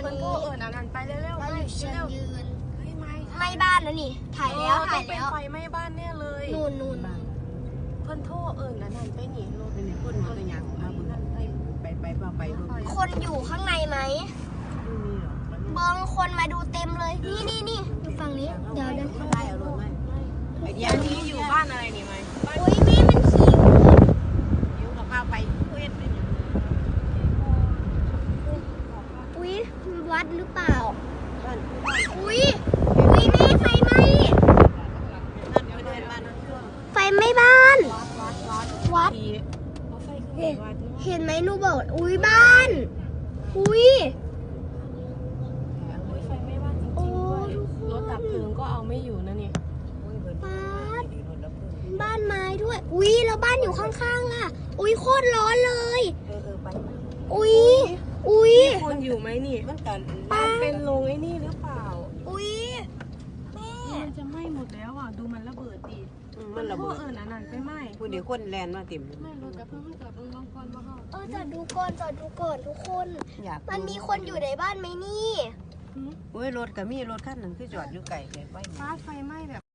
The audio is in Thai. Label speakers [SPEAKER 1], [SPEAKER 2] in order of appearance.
[SPEAKER 1] นี้นั่นไปเร็วๆไม่ไม่บ้านแล้วนี่ถ่ายแล้ว
[SPEAKER 2] ไฟไหม้บ้านแน่เลย
[SPEAKER 1] นู่น
[SPEAKER 2] เพิ่นโทษนั่นไปหนีรถเป็นคนมาตัวอย่างมาบุญไป
[SPEAKER 1] คนอยู่ข้างในไหมบางคนมาดูเต็มเลยนี่อยู่ฝั่งนี้เดี๋ยวเดิน
[SPEAKER 2] ได้เอารถไหมอย่างนี้อยู่บ้านอะไรนี่ไหม
[SPEAKER 1] อุ้ยแม่มันขี่
[SPEAKER 2] อยู่กับข้าวไปเพื่อนเป็น
[SPEAKER 1] อุ้ยวัดหรือเปล่าอุ้ยแม่ไฟไหม้ไฟไหม้บ้านวัดเห็นไหมหนูบอกอุ้ยบ้านอุ้ย
[SPEAKER 2] ไฟไหม้บ้านจริงๆด้วยรถดับเพลิงก็เอาไม่อยู่นะนี่
[SPEAKER 1] บ้านไม้ด้วยอุ้ยแล้วบ้านอยู่ข้างๆอ่ะอุ้ยโคตรร้อนเลย
[SPEAKER 2] ไป
[SPEAKER 1] อุ้ย
[SPEAKER 2] คนอยู่ไหมนี่บ้านเป็นโรงไอ้นี่หรือเปล่า
[SPEAKER 1] อุ้ยแม่
[SPEAKER 2] มันจะไหม้หมดแล้วอ่ะดูมันระเบิดดิมันระเบิดนั่นไปไหม้
[SPEAKER 3] คุณเดี๋ยวคนแลนมาติ่ม
[SPEAKER 2] ไม่รถจะเพิ่งจอดตรงน้องก่อนว่า
[SPEAKER 1] จอดดูก่อนทุกคนมันมีคนอยู่ในบ้านไหมนี่
[SPEAKER 3] อุ้ยรถกับมีรถคันหนึ่งคือจอดอยู่ไกลไฟ
[SPEAKER 2] ไฟไหม้แบบ